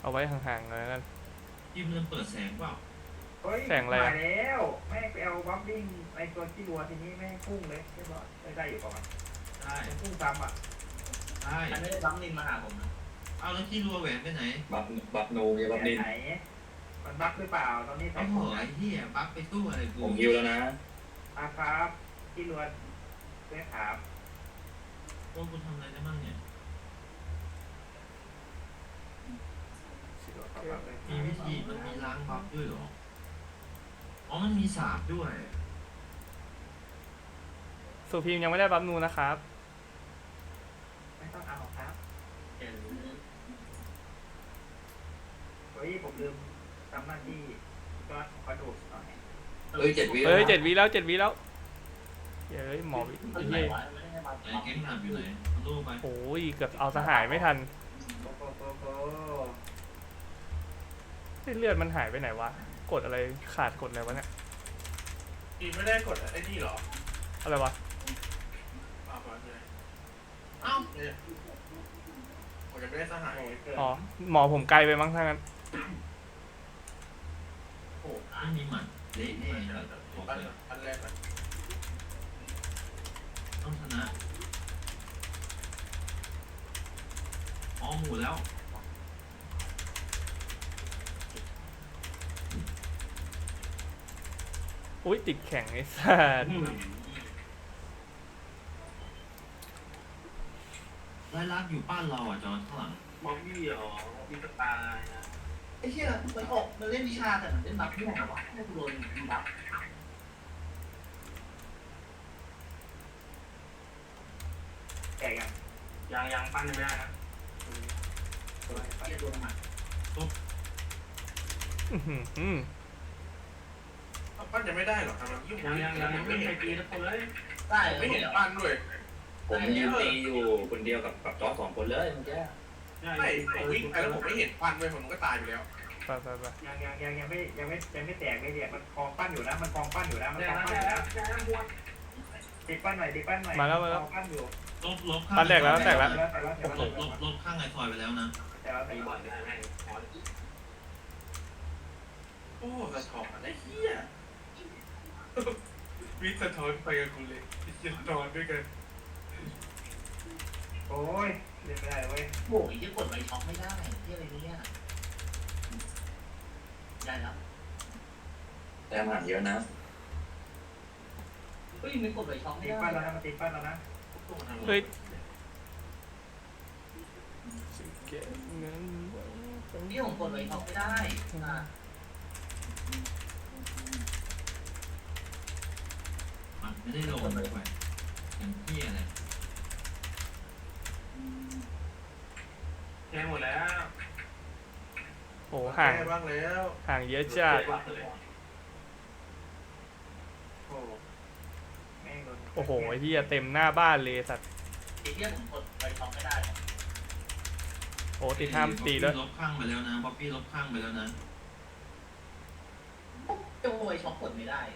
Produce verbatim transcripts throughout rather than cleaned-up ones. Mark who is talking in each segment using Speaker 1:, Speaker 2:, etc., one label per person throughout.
Speaker 1: เอาไว้ห่างๆเลยกัน
Speaker 2: ยิมเริ่มเปิดแสงเปล่า
Speaker 1: แสงอะไร
Speaker 3: มาแล้วแม่ไปเอาบัฟบิ้งในตัวที่รัวทีนี้แม่พุ่งเลยเรียบร้อยได้อยู่ประมาณ
Speaker 2: ได้
Speaker 3: พุ่งซ้ำอ่ะ
Speaker 2: ได้
Speaker 4: อันนี้บังนินมาหาผมนะ
Speaker 2: เอาแล้วขี้รัวแหวนไปไหน
Speaker 5: บัฟบัฟโนยบัฟนิน
Speaker 3: ไหนมันบัฟหรือเปล่าตอนนี้
Speaker 2: ไอ้หัวไอ้เหี้ยบัฟไปตู้อะไรกู
Speaker 5: ผมฮิวแล้วนะ
Speaker 3: อาครับที่รัวเรียกถาม
Speaker 2: โอ้กูทำอะไรได้บ้างเนี่ยมีวิธีมันมีล้างบัฟด้วยหรออ๋อมันมีสาบด้วย
Speaker 1: สุพีมยังไม่ได้บัฟนูนะครับ
Speaker 3: ไม่ต้องเอาครับเฮ้ยผมลืมทำหน้าที่ก็กระดูกหน่อย
Speaker 5: เฮ้ยเจ็ดวิ
Speaker 1: เฮ้ยเจ็ดวิแล้วเจ็ดวิแล้วเฮ้ยหมอวิ
Speaker 4: เฮ้ย
Speaker 1: เฮ้ย
Speaker 2: ไอ้เก่งหนับอยู่ไหนลูกไป
Speaker 1: โอ้ยเกือบเอาสหายไม่ทันเลือดมันหายไปไหนวะกดอะไรขาดกดอะไรวะเนี่ย
Speaker 6: อีไม่ได้กดไอ้นี่หรอ
Speaker 1: อะไรวะ
Speaker 6: อ้าวเลยอ้าวเนี่ยผมจะไม่ได้สหาย
Speaker 1: อ๋อหมอผมไกลไปมั้งทั้งนั้น
Speaker 2: โอ้ไม่มีหมัดเละแน่บอกเลย
Speaker 6: อันแรก
Speaker 2: ต้องชนะอ๋อหมูแล้ว
Speaker 1: อุ้ยติดแข็งไอ้สัส
Speaker 2: ไล่ลักอยู่บ้านเราอ่ะจอนข้างหลัง
Speaker 6: มอมบี้หรอมีกระตายนะ
Speaker 4: ไอ้เชี่ยมันออกมันเล่นวิชาแต่มันเล่นบัฟม่วงหรอวะไม่โดนบัฟ
Speaker 3: แก่ยัง
Speaker 6: ยังยังปั้นไม่ได้นะ
Speaker 4: เชี่ยโดนหมัด
Speaker 1: อือหือ
Speaker 6: ปั้นยังไม่ได้หรอทำไมยุ่งยังยังยังไม่เห็นตีทุกคนเลย
Speaker 4: ได้
Speaker 6: ไม่เห็นปั้นด้วย
Speaker 5: ผมยืนตีอยู่คนเดียวกับกับจอสองคนเลยเมื่อกี้
Speaker 6: ไม่ผมวิ่งไปแล้วผมไม่เห็นปั้นด้วยผมก็ตายไปแล้ว
Speaker 1: ไปไปไป
Speaker 3: ยังยังยังยังไม่ยังไม่ยังไม่แตกเลยเนี่ยมันคลองปั้นอยู่นะมันคลองปั้นอยู่นะมันคลองปั้นอยู่นะตีปั้นหน่อยตีปั้นหน่อย
Speaker 1: มาแล้วมาแล้ว
Speaker 3: ปั้นอยู่
Speaker 2: ลบลบข้าง
Speaker 1: ปั้นแตกแล้วแตกแล้ว
Speaker 2: ลบลบลบข้างไอ้ซอยไปแล้วนะ
Speaker 3: แต่ว่าตีบอลได้ไหม
Speaker 6: โอ้สะท้อนไอ้เหี้ยวิสะท้อนไปกับกูเลยจะนอนด้วยกัน
Speaker 3: โอ้ยเล่นไม่ได้เว้ย
Speaker 4: โอ้ยที่กดไปช็อกไม่ได้ที่อะไรเนี่ยได้แล้ว
Speaker 5: แต้มห่างเยอะนะ
Speaker 4: เฮ้ยไม่กดไปช็อกไม่
Speaker 3: ตี
Speaker 4: ได้
Speaker 3: ปั้นแล้วนะมันตีปั้นแล้วนะ
Speaker 1: เฮ้ย
Speaker 4: นี่ผมกดไปช็อกไม่ได้อ่ะ
Speaker 2: ไม่ได้ลงไปอย่างพี่อะไร
Speaker 6: แค่หมดแล้ว
Speaker 1: โอ้ห่าง
Speaker 6: บ้างแล้ว
Speaker 1: ห่างเยอะจัดโอ้โหไอ้ที่เต็มหน้าบ้านเลยสัตว์
Speaker 4: ตีเรียกผมกดไปช็อกไม่ได้
Speaker 1: โอ้ตีห้ามตีด้วย
Speaker 2: ลบข้างไปแล้วนะป๊อปปี้ลบข้างไปแล้วนะ
Speaker 4: จะโวยช็อกกดไม่ได้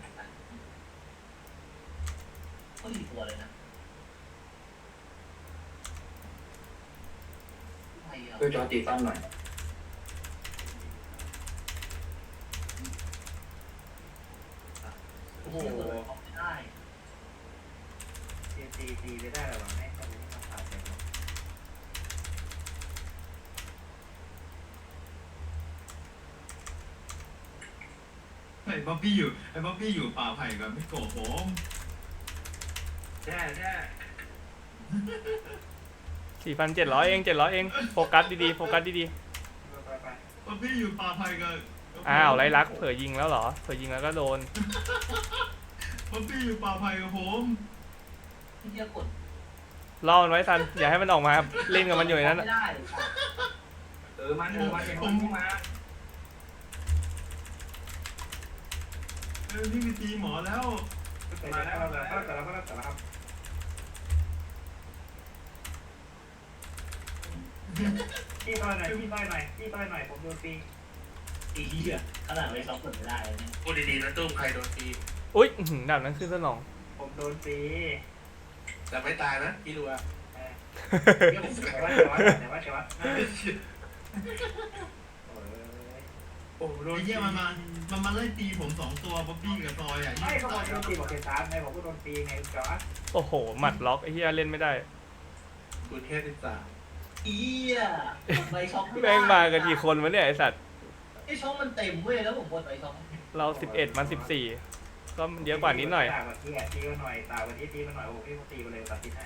Speaker 4: ก็ดีตัวเลยนะ
Speaker 5: ช่วยจอตีตั้งหน่อย
Speaker 4: โอ้โหไม่ได้
Speaker 3: ตีตีตีไม่ได้หรอแม่ตอนนี้มาขาดเลย
Speaker 2: ไอ้บ๊อบบี้อยู่ไอ้บ๊อบบี้อยู่ป่าไผ่กับไม่โกะผม
Speaker 6: แช่แช่
Speaker 1: สี่พันเจ็ดร้อยเองเจ็ดร้อยเองโฟกัสดีๆโฟกัสดี
Speaker 2: ๆบ๊อบบี้อยู่ป่าไผ่กับ
Speaker 1: อ้าวไรลักเผยยิงแล้วเหรอเผยยิงแล้วก็โดน
Speaker 2: บ๊อบบี้อยู่ป่าไผ่กับผม
Speaker 4: ที่จะกด
Speaker 1: ล่อมันไว้ทันอย่าให้มันออกมาเล่นกับมันอยู่ในนั้น
Speaker 6: เออมันมันเป็นคนมา
Speaker 2: เออนี่มีตีหมอแล้ว
Speaker 3: มาแล้วแต่ละแต่ละแต่ละครับพี่ต้อยหน่อยพี่ต้อยหน่อยพี่ต้อยหน่อยผมโดนตี
Speaker 4: ตีเหี้ยขนาดไม่ช็อกกดไม่ได้เลยเนี่ย
Speaker 6: พูดดีๆนะตุ้มใครโดนตี
Speaker 1: อุ้ยดาบนั้นขึ้นสนอง
Speaker 3: ผมโดนตี
Speaker 6: แต่ไม่ตายนะพี่ดูอ่ะ
Speaker 3: แต่ว่าแต่ว่าแต่ว่าแต่ว่า
Speaker 6: โอ้โหโดน
Speaker 2: ไอ้เหี้ยมันมามันมาไล่ตีผมสองตัวบ๊อบบี้กับซอยอ่ะ
Speaker 3: ไม่เขาบอกโดนตีบอกเทสามไงบอกว่าโดนตีไงจอร์ด
Speaker 1: โอ้โหหมัดล็อกไอ้เหี้ยเล่นไม่ได้
Speaker 6: กูแค่สิบสาม
Speaker 4: อีอ่ะใบช็อก
Speaker 1: แม่งมากันกี่คนวะเนี่ยไอสัตว์
Speaker 4: ไอช็อกมันเต็มเว้ยแล้วผมกดใบช็อก
Speaker 1: เราสิบเอ็ดมันสิบสี่ก็มันเยอะกว่านิดหน่อย
Speaker 3: ตาวันที่ตีมาหน่อยตาวันที่ตีมาหน่อยโอ้พี่ตีมาเลยตัดที่ไหน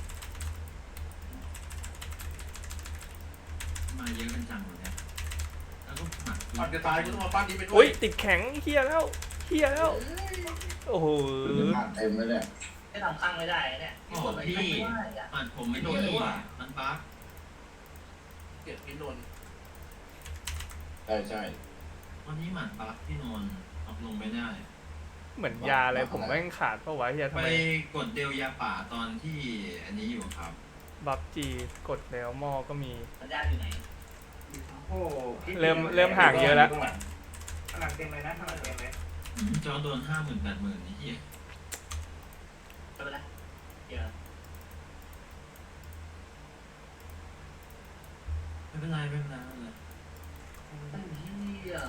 Speaker 2: มาเยอะกันจังเลยเนี่ยแล้วก็หมัด
Speaker 6: ก่อนจะตายกูต้องมาปั้นนี้ไปด้ว
Speaker 1: อุ้
Speaker 6: ย
Speaker 1: ยติดแข็งเฮียแล้วเฮียแล้วโอ้โห
Speaker 7: เต็มเลยเนี่ย
Speaker 4: ไม่ทำข้างไม่ได้เนี่ย
Speaker 2: โอ้พี่หมัดผมไม่โดนเลยว่ะมันบั๊ก
Speaker 6: เก็บพี่นนท์
Speaker 7: ใช่ใช่
Speaker 2: วันนี้หมัดบั๊กพี่นนท์เอาลงไม่ได้
Speaker 1: เหมือนยาอะไรผมแม่งขาดเพราะวะเฮียทำ
Speaker 2: ไป
Speaker 1: ไม
Speaker 2: กดเดลยาป่าตอนที่อันนี้อยู่ครับ
Speaker 1: บัฟจีกดแล้วหม้อก็มี
Speaker 4: สัญญาณอยู่ไหน
Speaker 3: โอ้
Speaker 1: เริ่มเริ่มห่างเยอะแล้ว
Speaker 3: พลังเต็มเลยนะพลังเต็มเลย
Speaker 2: จอโดนห้าหมื่นแปดหมื่นนี่เหี้ย
Speaker 4: ไม่เป็นไรเดี๋ยว
Speaker 2: ไม่เป็นไรไม่เป็นไรไม่เป็นไร
Speaker 4: ไอ้เหี้ย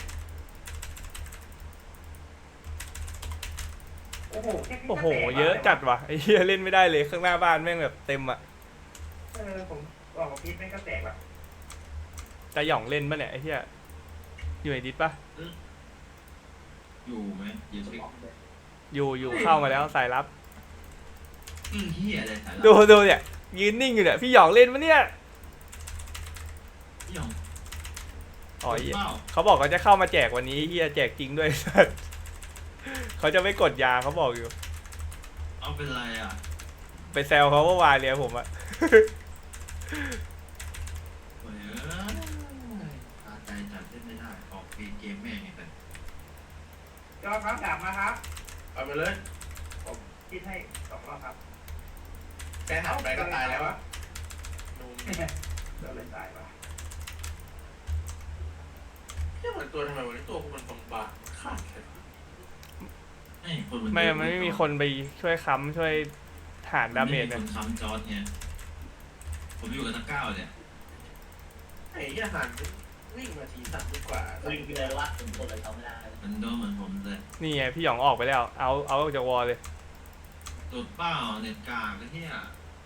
Speaker 3: โอ้โห
Speaker 1: โอ้โหเยอะจัดว่ะไอ้เฮียเล่นไม่ได้เลยข้างหน้าบ้านแม่งแบบเต็มอ่ะ
Speaker 3: เออผมบอกว่าพีทแม่งก็แตกแบบ
Speaker 1: จะหย่องเล่นปะเนี่ยไอ้เฮียอยู่ในดิสปะ
Speaker 2: อยู่ไหมอยู่สิ
Speaker 1: อยู่อยู่เข้ามาแล้วสายลับ
Speaker 2: อืมเหี้ยอะไรสายลับ
Speaker 1: ดูดูเนี่ยยืนนิ่งอยู่เนี่ยพี่หยองเล่นปะเนี่ย
Speaker 2: พี่หยอง
Speaker 1: อ๋อเหี้ย
Speaker 2: เปล่า
Speaker 1: เขาบอกเขาจะเข้ามาแจกวันนี้เฮียแจกจริงด้วย สัสเขาจะไม่กดยาเขาบอกอยู่
Speaker 2: เอาเป็นไรอ่ะ
Speaker 1: ไปแซวเขาเมื่อวานเลยผมอะ
Speaker 2: โอ้ยเอ้ยตาใจจัดเล่นไม่ได้ออกเกมเกมแม่งไงแต่
Speaker 3: จอครับดาบมาครับ
Speaker 6: เอาไปเลย
Speaker 3: ผมคิดให้สองรอบครับ
Speaker 6: แค่หันไปก็ตายแล้วอะนุ่ม
Speaker 3: เดี๋ยวเลยตายว่ะ
Speaker 6: แค่เหมือนตัวทำไมวันนี้ตัวกูมันบางๆขาดเลย
Speaker 2: ไม่คนมัน
Speaker 1: ไม่มันไม่มีคนไปช่วยค้ำช่วยฐานดาเมจ
Speaker 2: ไมี
Speaker 1: เนี่ย
Speaker 2: คนค้ำจอร์ดไงผมอยู่กับตะก้าวเนี่ย
Speaker 6: ไอ้ยี่หันวิ่งมาทีสามดีกว่า
Speaker 4: วิ่งไปเลยว่าผมกดใบช็อกไม่ได้
Speaker 2: มันโดนเหมือนผมเลย
Speaker 1: นี่ไงพี่หยองออกไปแล้วเอาเอาออกจากวอลเลย
Speaker 2: ตัวเป้าเน็ตกากไอ้เหี้ย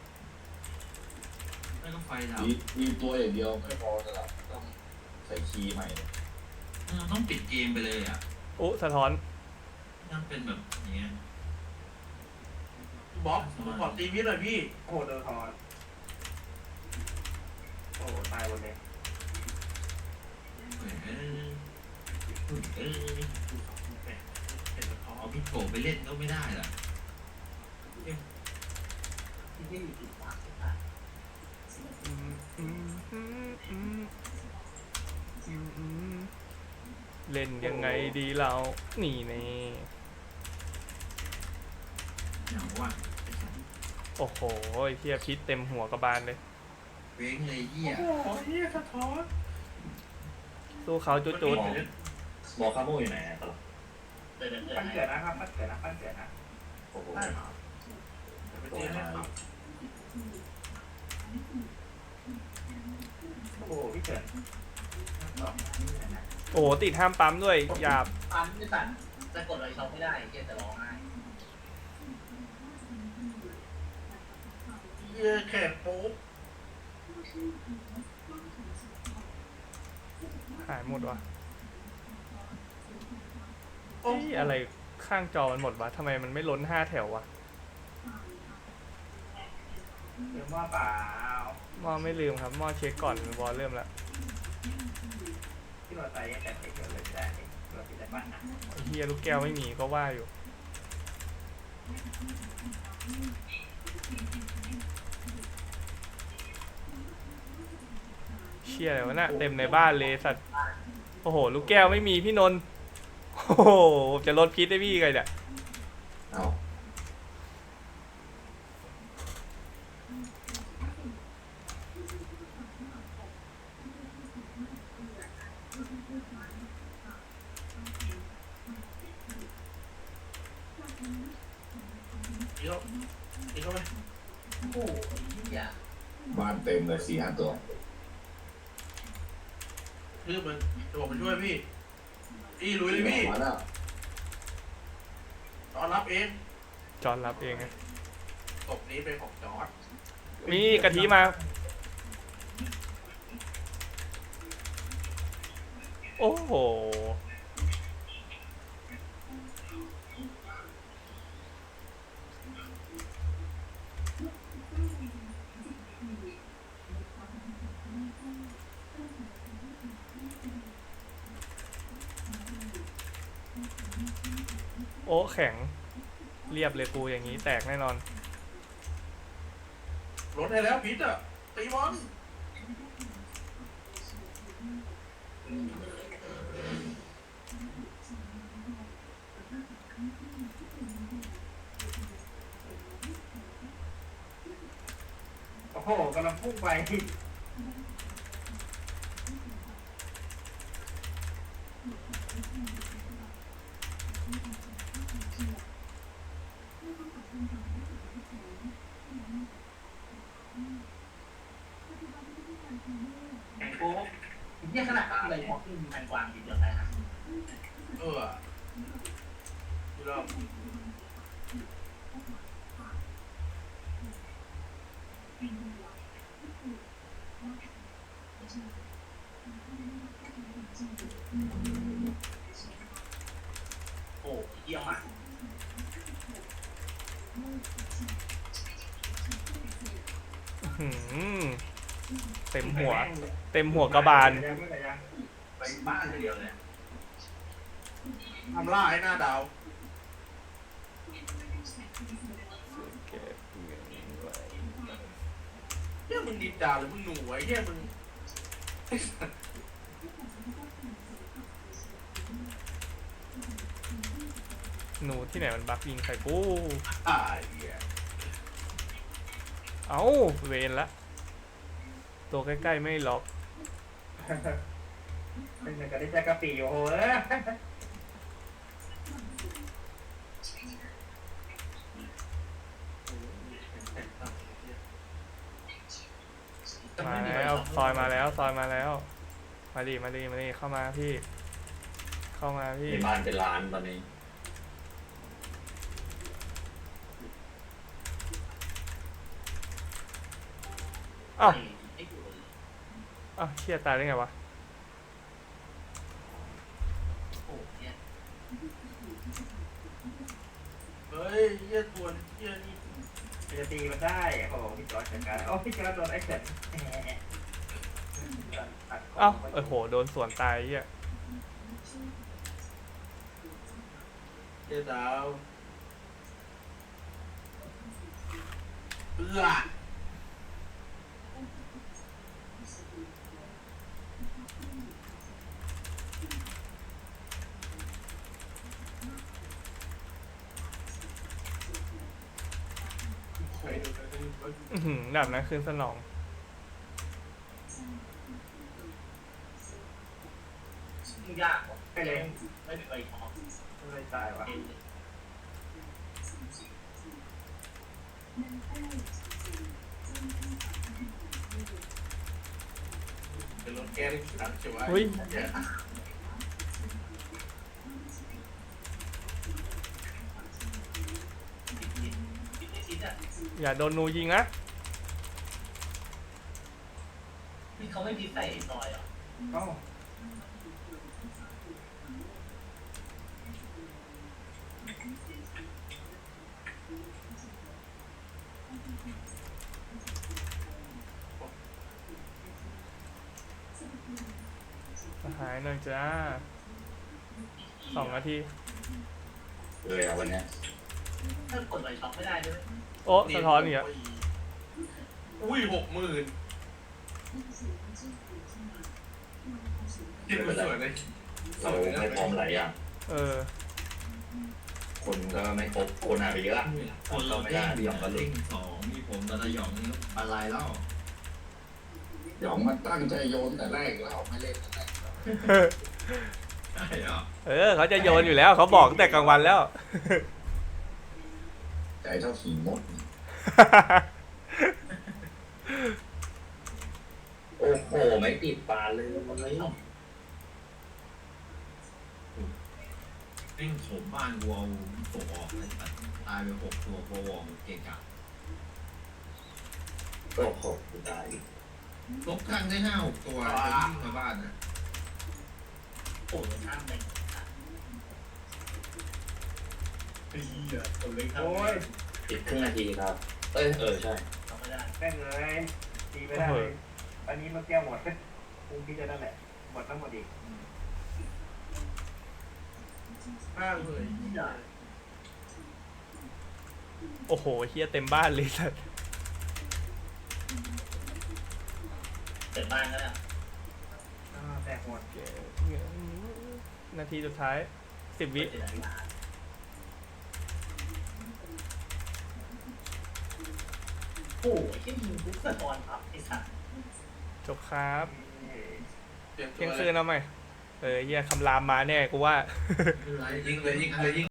Speaker 2: ไม่ก็ไฟดับ
Speaker 7: มีมีตัวอย่างเดียวไม่พอสำหรับต้องใส่คีย์ใหม่เนี่ย
Speaker 2: เราต้องปิดเกมไปเลยอ่ะ
Speaker 1: อุ๊สะท้อน
Speaker 2: ต้องเป็นแบบอย่างเงี้ย
Speaker 6: บ๊อบกูขอตีพี่หน่อยพี่
Speaker 3: โอ้โหเดอร์ทอนโอ้โหตายหมดเลย
Speaker 2: เฮ้ยเอ้ยเอ้ย
Speaker 6: เห็นแล้วท้อ
Speaker 2: เอาพี่โผล่ไปเล่นก็ไม่ได้ล่ะ
Speaker 4: ที่นี่อยู่ที่ปากที่ปาก
Speaker 1: อืมอืมอืมอืมอืมอืมเล่นยังไงดีเรานี่แน่
Speaker 2: เหงาว่ะ
Speaker 1: โอ้โหเฮียพิษเต็มหัวกระบาลเลย
Speaker 2: เว้งเลยเหี้ย
Speaker 6: โอ้โหเฮียสะท้อน
Speaker 1: สู้เขาจุดจุด
Speaker 7: บอกคาโมอยู่ไหนอะตลอด
Speaker 4: เดินเดินเดิ
Speaker 3: ปั้น
Speaker 4: น
Speaker 3: เกิดนะครับปั้นเกิดนะปั้นเกิดนะ
Speaker 7: โอ้โห
Speaker 6: ไปเจอให้ครับ
Speaker 3: โอ้โหพี่เกิด
Speaker 1: โอ้โหติดห้ามปั๊มด้วยหยาบ
Speaker 4: ปั๊มไม่ตัดแต่กดใบช็อกไม่ได้เหี้ยจะร้องไห้
Speaker 6: เฮียแขกโป๊ก
Speaker 1: หายหมดวะ
Speaker 6: โอ้
Speaker 1: เฮ้ยอะไรข้างจอมันหมดวะทำไมมันไม่ล้นห้าแถววะ
Speaker 3: เดี๋ยวว่าเปล่า
Speaker 1: หม้อไม่ลืมครับหม้อเช็คก่อนวอลเริ่มแล้ว
Speaker 3: ที่เราตายยังแต่ไม่เกิดเลยไม่ได้เราติดแต่ปั้นนะ
Speaker 1: ไอ้เฮียลูกแก้วไม่มีก็ว่าอยู่เชี่ยอะไรวะน่ะเต็มในบ้านเลยสัตว์โอ้โหลูกแก้วไม่มีพี่นนท์โอ้โหจะลดพิษได้พี่ไงเนี่ย
Speaker 7: เอ้า
Speaker 6: อีกแล้วอีกแล้วไหม
Speaker 4: โอ้โหไอ้เหี้ย
Speaker 7: บ้านเต็มเลยสี่ห้าตัว
Speaker 6: คือมันจะบอกมาช่วยพี่พี่ลุยเลยพี่
Speaker 7: มาแล้ว
Speaker 6: ตอนรับเอง
Speaker 1: จอนรับเองไง
Speaker 6: ศพนี้เป็นของจอร์ด
Speaker 1: มีกะทิมา โอ้โห โอ้แข็ง เรียบเลยกูอย่างนี้แตกแน่นอน
Speaker 6: รถให้แล้วพิษอ่ะตีบอล
Speaker 3: โอ้โหกำลังพุ่งไปแข่งโค้ง
Speaker 4: เนี่ยขนาดอะไรพอขึ้นมีแมงกวางกินเดียวได้ฮะ
Speaker 6: เออดูแล้ว
Speaker 4: โอ้เยี่ยมอ่ะ
Speaker 1: หืมเต็มหัว เต็มหัวกระบาล
Speaker 6: ไปบ้านเดียวเลยทำล่าให้หน้าดาวเฮียมึงดินดาวหรือมึงหนูไอ้เฮียมึง
Speaker 1: หนูที่ไหนมันบักยิงใส่กู
Speaker 6: อ่าเฮีย
Speaker 1: เอ้า เวนละ ตัวใกล้ๆไม่ล็อก
Speaker 3: เป็นเหมือนกับได้แจ็คกะปีโอ้โหเอ้ย
Speaker 1: มาแล้วซอยมาแล้วซอยมาแล้ว มาดิมาดิมาดิเข้ามาพี่ เข้ามาพี่
Speaker 5: ในบ้านเป็นร้านตอนนี้
Speaker 1: อ้าว
Speaker 4: ไอ้อยู่เลย
Speaker 1: อ้าวเชี่ยตายได้ไงวะ
Speaker 4: โอ้เนี่ย
Speaker 6: เฮ้ยเฮียทวนเฮียนี่
Speaker 3: จะตีมันได้โอ้โหพี่จอร์จจัดการโอ้พี่จอร์จโดนไอ้เสร็จ
Speaker 1: อ้าวเออโหโดนสวนตายเหี้ย
Speaker 6: เฮียดาวเอื้อใครดูใครดู
Speaker 1: อื้อหือดับนะคืนสนอง
Speaker 4: ยากว่ะไม่เลยไม่มีใบทอง
Speaker 3: ไม่ตายวะ
Speaker 6: เป็นรถแก้ที่ขังใช่ไหม
Speaker 1: เฮ้ย อย่าโดนหนูยิงนะ
Speaker 4: นี่เขาไม่พิใส่ซอยเหรอ
Speaker 3: เอ้า
Speaker 1: หายหน่อยจ้าสองนาที
Speaker 5: เลยอะวันเนี้ย
Speaker 4: ถ้ากดใบช็อปไม่ได้ด้วย
Speaker 1: โอ้สะท้อนอีกอ่ะ
Speaker 6: อุ้ยหกหมื่นเจ็ดหมื่นสวยเลย
Speaker 5: เราไม่พร้อมหลายอย่าง
Speaker 1: เออ
Speaker 5: คนก็ไม่ครบคนหายไปเยอะ
Speaker 2: คนเรา
Speaker 5: ไม่
Speaker 2: เด้
Speaker 5: ได้
Speaker 2: ง
Speaker 5: พี่หยองก็หลุ
Speaker 2: เด้
Speaker 5: ด
Speaker 2: งสองมีผมตะละหยองอะไรแล้ว
Speaker 7: หยองมันตั้งใจโยนแต่แรกแล้วไม่เล่นแต่แรก
Speaker 2: ใช่เหรอ
Speaker 1: เออเขาจะโยนอยู่แล้วเขาบอกตั้งแต่กลางวันแล้ว
Speaker 7: ใจเท่าขี่มด
Speaker 5: โอ้โหไม่ติดปลาเลย
Speaker 4: กดใบช็อป
Speaker 2: ม่งโถมบ้านกูเอาตกออกเลยตัดตายไปหกตัวโปรวอร์มเก่งจัง
Speaker 5: ก็ขอบตาย
Speaker 2: ลบข้างได้ห้าหกตัวจะวิ่งมาบ้านนะ
Speaker 4: โอ้ยข้ามไปเฮียตัวเล็กข้าม
Speaker 3: โอ้ย
Speaker 5: อีกครึ่งนาทีครับ เอ้ยเออใช่
Speaker 4: ทำไม่ได้
Speaker 3: แม่งเลยตีไม่ได้เลยอันนี้มันแก้วหมดคุงพี่จะนั่นแหละหมดทั้งหมดอีก
Speaker 6: ข้างเลย
Speaker 4: เฮีย
Speaker 1: โอ้โหเฮียเต็มบ้านเลยสัส
Speaker 4: เสร็จบ้านแล้วเนี่ย
Speaker 3: อ่าแตกหมด
Speaker 1: นาทีสุดท้ายสิบวิ
Speaker 4: เจ็ดนาฬิกาโอ้ยแค่ยิงปุ๊บสะท้อนครับไอ้สัตว์
Speaker 1: จบครับ
Speaker 6: เตรียมตั
Speaker 1: เที่
Speaker 6: วย
Speaker 1: ง
Speaker 6: เล
Speaker 1: คื
Speaker 6: ย
Speaker 1: นเอาใหม่เออเฮียคำรามมาแน่กูว่า
Speaker 2: ยิงเลยยิงเลยยิง